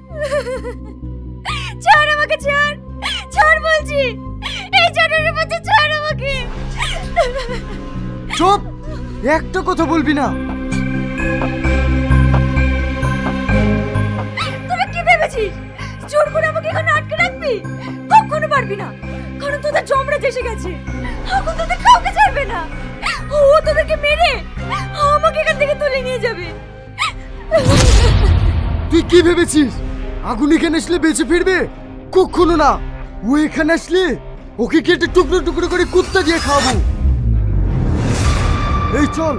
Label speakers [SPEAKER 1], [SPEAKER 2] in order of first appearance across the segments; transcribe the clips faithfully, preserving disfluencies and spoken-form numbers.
[SPEAKER 1] ছাড় আমাকে, ছাড় ছাড় বলছি, এই জানোয়ারের বাচ্চা ছাড় আমাকে।
[SPEAKER 2] চুপ, একটা কথা বলবি না।
[SPEAKER 1] তোরা কি ভেবেছিস জোর করে আমাকে এখানে আটকে রাখবি? কখনো পারবি না, কারণ তোদের যমরাজ এসে গেছে। এখন তোদের কাউকে ছাড়বে না, ও তোদেরকে মেরে আমাকে এখান থেকে তুলে নিয়ে যাবে।
[SPEAKER 2] তুই কি ভেবেছিস আগুন এখানে আসলে বেঁচে ফিরবে? কখনো না। ও এখানে আসলে ওকে কেটে টুকরো টুকরো করে কুত্তা দিয়ে খাবো। এই চল।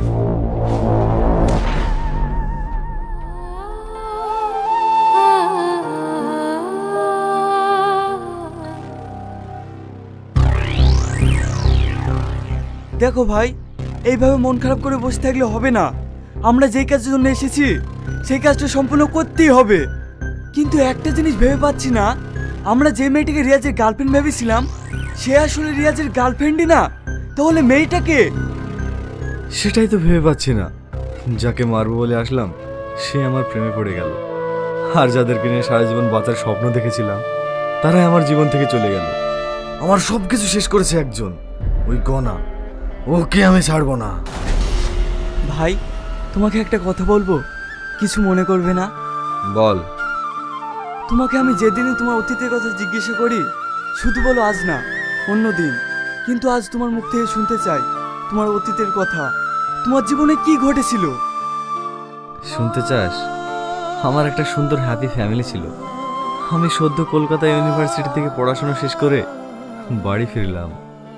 [SPEAKER 3] দেখো ভাই, এইভাবে মন খারাপ করে বসে থাকলে হবে না। আমরা যেই কাজের জন্য এসেছি সেই কাজটা সম্পূর্ণ করতেই হবে। কিন্তু একটা জিনিস ভেবে পাচ্ছি না, আমরা যে মেয়েটাকে রিয়াজের গার্লফ্রেন্ড ভেবেছিলাম সে আসলে রিয়াজের গার্লফ্রেন্ডই না, তাহলে মেয়েটাকে?
[SPEAKER 4] সেটাই তো ভেবে পাচ্ছি না। যাকে মারবো বলে আসলাম সে আমার প্রেমে পড়ে গেল, আর যাদেরকে নিয়ে সারা জীবন বাঁচার স্বপ্ন দেখেছিলাম তারাই আমার জীবন থেকে চলে গেল। আমার সব কিছু শেষ করেছে একজন, ওই গনা। ওকে আমি ছাড়বো না।
[SPEAKER 3] ভাই, তোমাকে একটা কথা বলবো, কিছু মনে করবে না?
[SPEAKER 4] বল।
[SPEAKER 3] তোমাকে আমি যেদিনই তোমার অতীতের কথা জিজ্ঞাসা করি শুধু বলো আজ না, অন্য দিন। কিন্তু আজ তোমার মুখ থেকে শুনতে চাই তোমার অতীতের কথা। তোমার জীবনে কি ঘটেছিল?
[SPEAKER 4] শুনতে চাস? আমার একটা সুন্দর হ্যাপি ফ্যামিলি ছিল। আমি সদ্য কলকাতা ইউনিভার্সিটি থেকে পড়াশোনা শেষ করে বাড়ি ফিরলাম।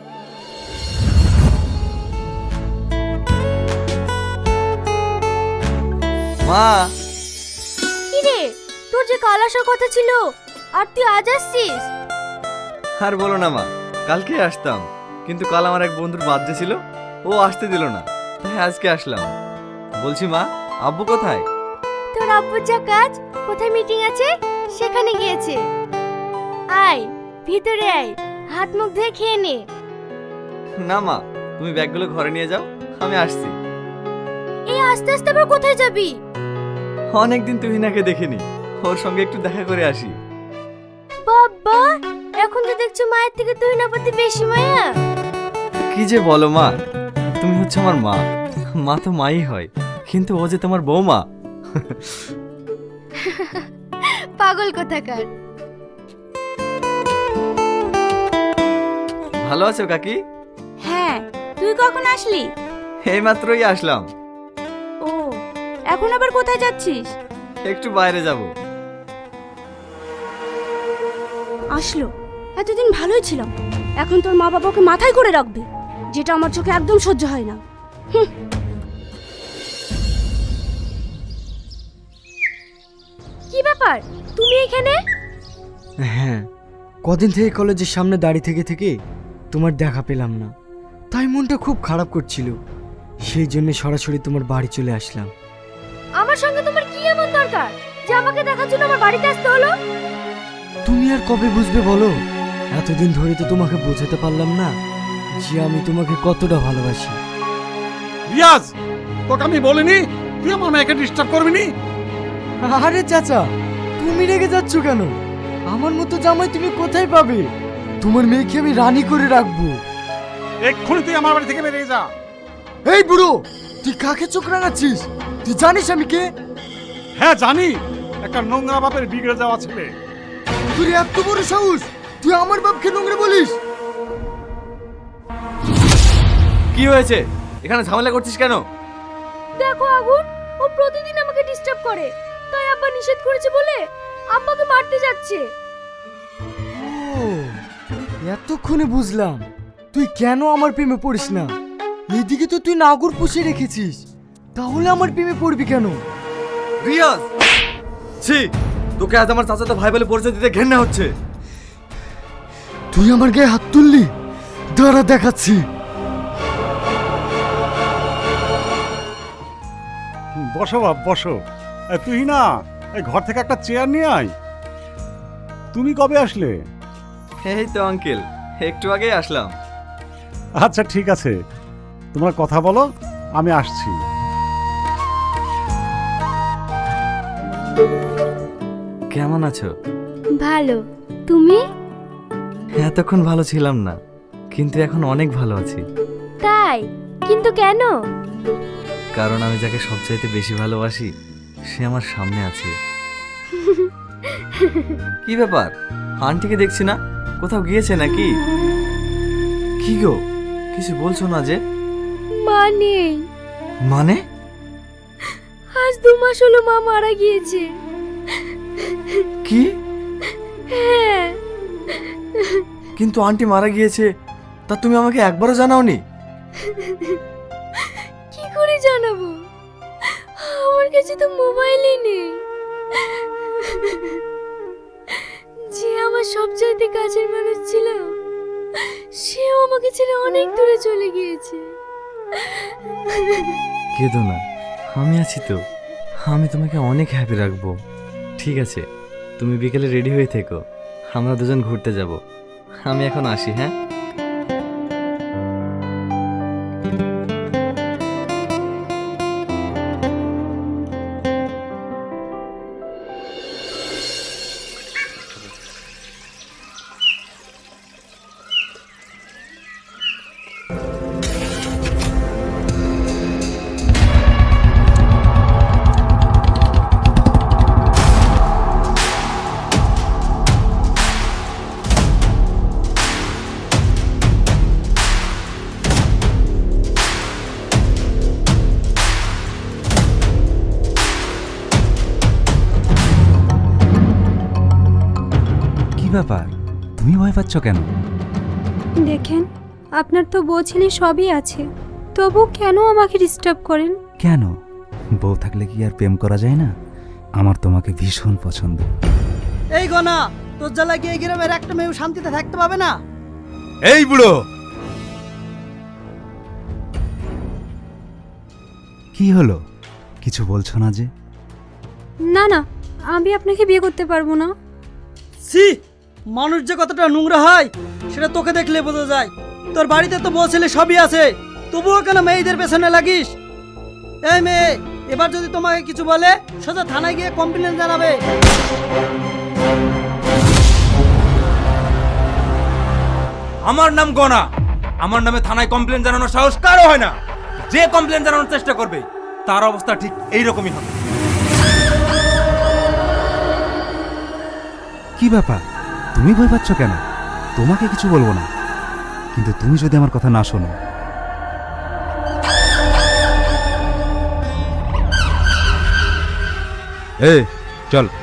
[SPEAKER 4] মা!
[SPEAKER 1] কিরে, তোর যে কাল আসার কথা ছিল আর তুই আজ আসছিস?
[SPEAKER 4] আর বলো না মা, কালকে আসতাম, কিন্তু কাল আমার এক বন্ধুর বার্থডে ছিল, ও আসতে দিল না, তাই আজকে আসলাম। বলছি মা, আব্বু কোথায়?
[SPEAKER 1] তোর আব্বুর যা কাজ, কোথায় মিটিং আছে সেখানে গিয়েছে। আয় ভিতরে আয়, হাত মুখ ধুয়ে খেয়ে নে।
[SPEAKER 4] না মা, তুমি ব্যাগগুলো ঘরে নিয়ে যাও, আমি আসছি।
[SPEAKER 1] এই আস্তে আস্তে আবার কোথায় যাবি?
[SPEAKER 4] অনেকদিন তুহিনাকে দেখিনি, ওর সঙ্গে একটু দেখা করে আসি।
[SPEAKER 1] বাবা, এখন তো দেখছো মায়ের থেকে তুই না প্রতি বেশি মায়া।
[SPEAKER 4] কি যে বলো মা, তুমি হচ্ছে আমার মা। মা তো মাই হয়, কিন্তু ও যে তোমার বৌমা।
[SPEAKER 1] পাগল কোথাকার।
[SPEAKER 4] ভালো আছো কাকি?
[SPEAKER 1] হ্যাঁ, তুই কখন আসলি?
[SPEAKER 4] এই মাত্রই আসলাম।
[SPEAKER 1] ও, এখন আবার কোথায় যাচ্ছিস?
[SPEAKER 4] একটু বাইরে যাব।
[SPEAKER 1] আসলো, এতদিন ভালোই ছিলাম, এখন তোর মা বাবাকে মাথায় করে রাখবে, যেটা আমার চোখে একদম সহ্য হয় না। হুঁ। কি ব্যাপার, তুমি এখানে?
[SPEAKER 2] হ্যাঁ, কদিন থেকে কলেজের সামনে দাঁড়িয়ে থেকে থেকে তোমার দেখা পেলাম না, তাই মনটা খুব খারাপ করছিল। সেই জন্য সরাসরি তোমার বাড়ি চলে আসলাম।
[SPEAKER 1] আমার সঙ্গে তোমার কি এমন দরকার যে আমাকে দেখার জন্য আমার বাড়িতে আসতে হলো?
[SPEAKER 2] তুমি আর কবে বুঝবে বলো? এতদিন ধরে তো তোমাকে বোঝাতে পারলাম না যে আমি তোমাকে কতটা ভালোবাসি।
[SPEAKER 5] রিয়াজ, তোকে আমি বলিনি তুই আমার মেয়েকে ডিস্টার্ব করবি নি?
[SPEAKER 2] আরে চাচা, তুমি রেগে যাচ্ছ কেন? আমার মতো জামাই তুমি কোথায় পাবে? তোমার মেয়েকে আমি রানী করে রাখবো।
[SPEAKER 5] এক্ষুনি তুই আমার বাড়ি থেকে বেরিয়ে যা।
[SPEAKER 2] এই বুড়ো, তুই কাকে চোখ রাঙাচ্ছিস? তুই জানিস আমি কে?
[SPEAKER 5] হ্যাঁ জানি, একটা নোংরা বাপের বিগড়ে যাওয়া ছেলে।
[SPEAKER 2] তুই এত বড় সাহস, তুই আমার বাপকে নোংরা বলিস?
[SPEAKER 4] কি হয়েছে? এখানে ঝামেলা করছিস কেন?
[SPEAKER 1] দেখো আগুন, ও প্রতিদিন আমাকে ডিস্টার্ব করে, তাই আব্বা নিষেধ করেছে বলে আব্বাকে মারতে যাচ্ছে।
[SPEAKER 2] ও, এতক্ষণে বুঝলাম তুই কেন আমার প্রেমে পড়িস না। এদিকে তো তুই নাগর পুষে রেখেছিস, তাহলে আমার প্রেমে পড়বি কেন?
[SPEAKER 4] রিয়াজ, ছি, তোকে আজ আমার চাচাতো ভাই বলে পরিচয় দিতে ঘেন্না হচ্ছে।
[SPEAKER 2] তুই আমার গায়ে হাত তুললি, দাঁড়া দেখাচ্ছি।
[SPEAKER 5] বসো বাপ বসো। এ, তুই না এই ঘর থেকে একটা চেয়ার নিয়ে আয়। তুমি কবে আসলে?
[SPEAKER 4] এই তো আঙ্কেল, একটু আগেই আসলাম।
[SPEAKER 5] আচ্ছা ঠিক আছে, তোমরা কথা বলো, আমি আসছি।
[SPEAKER 4] কেমন আছো?
[SPEAKER 1] ভালো। তুমি?
[SPEAKER 4] এতক্ষণ ভালো ছিলাম না, কিন্তু এখন অনেক ভালো আছি।
[SPEAKER 1] তাই? কিন্তু কেন?
[SPEAKER 4] কারণ আমি যাকে সবচাইতে বেশি ভালোবাসি সে আমার সামনে আছে। কি ব্যাপার, আন্টিকে দেখছি না, কোথাও গিয়েছে নাকি? কি গো, কিছু বলছো না যে?
[SPEAKER 1] মা নেই।
[SPEAKER 4] মানে?
[SPEAKER 1] আজ দু মাস হলো মা মারা গিয়েছে।
[SPEAKER 4] কি?
[SPEAKER 1] হ্যাঁ।
[SPEAKER 4] কিন্তু আন্টি মারা গিয়েছে তা তুমি আমাকে একবারও জানাওনি?
[SPEAKER 1] কি করে জানাবো, আমার কাছে তো মোবাইলই নেই। যে আমার সবচাইতে কাছের মানুষ ছিল সেও আমাকে ছেড়ে অনেক দূরে চলে গিয়েছে।
[SPEAKER 4] কেঁদো না, আমি আছি তো, আমি তোমাকে অনেক হ্যাপি রাখবো। ঠিক আছে, তুমি বিকেলে রেডি হয়ে থেকো, আমরা দুজন ঘুরতে যাব। আমি এখন আসি, হ্যাঁ?
[SPEAKER 6] কি ব্যাপার, তুমি ভয় পাচ্ছ কেন?
[SPEAKER 7] দেখেন, আপনার তো বউ ছেলে সবই আছে, তবু কেন আমাকে ডিস্টার্ব করেন?
[SPEAKER 6] কেন, বউ থাকলে কি আর প্রেম করা যায় না? আমার তোমাকে ভীষণ পছন্দ।
[SPEAKER 8] এই গনা, তোর জ্বালা গিয়ে গ্রামের একটা মেয়ে শান্তিতে থাকতে পাবে না।
[SPEAKER 9] এই বুড়ো,
[SPEAKER 6] কি হলো, কিছু বলছো না যে?
[SPEAKER 7] না না, আমি আপনাকে বিয়ে করতে পারবো না।
[SPEAKER 8] সি, মানুষ যে কতটা নোংরা হয় সেটা তোকে দেখলে বোঝা যায়। তোর বাড়িতে তো বউ ছেলে সবই আছে, তবুও কেন মেয়েদের পেছনে লাগিস? এই মেয়ে, এবার যদি তোমাকে কিছু বলে সোজা থানায় গিয়ে কমপ্লেন জানাবে।
[SPEAKER 9] আমার নাম গনা, আমার নামে থানায় কমপ্লেন জানানোর সাহস কারো হয় না। যে কমপ্লেন জানানোর চেষ্টা করবে তার অবস্থা ঠিক এইরকমই হবে।
[SPEAKER 6] কি ব্যাপার, তুমি ভয় পাচ্ছ কেন? তোমাকে কিছু বলবো না, কিন্তু তুমি যদি আমার কথা না শোনো। এই চল।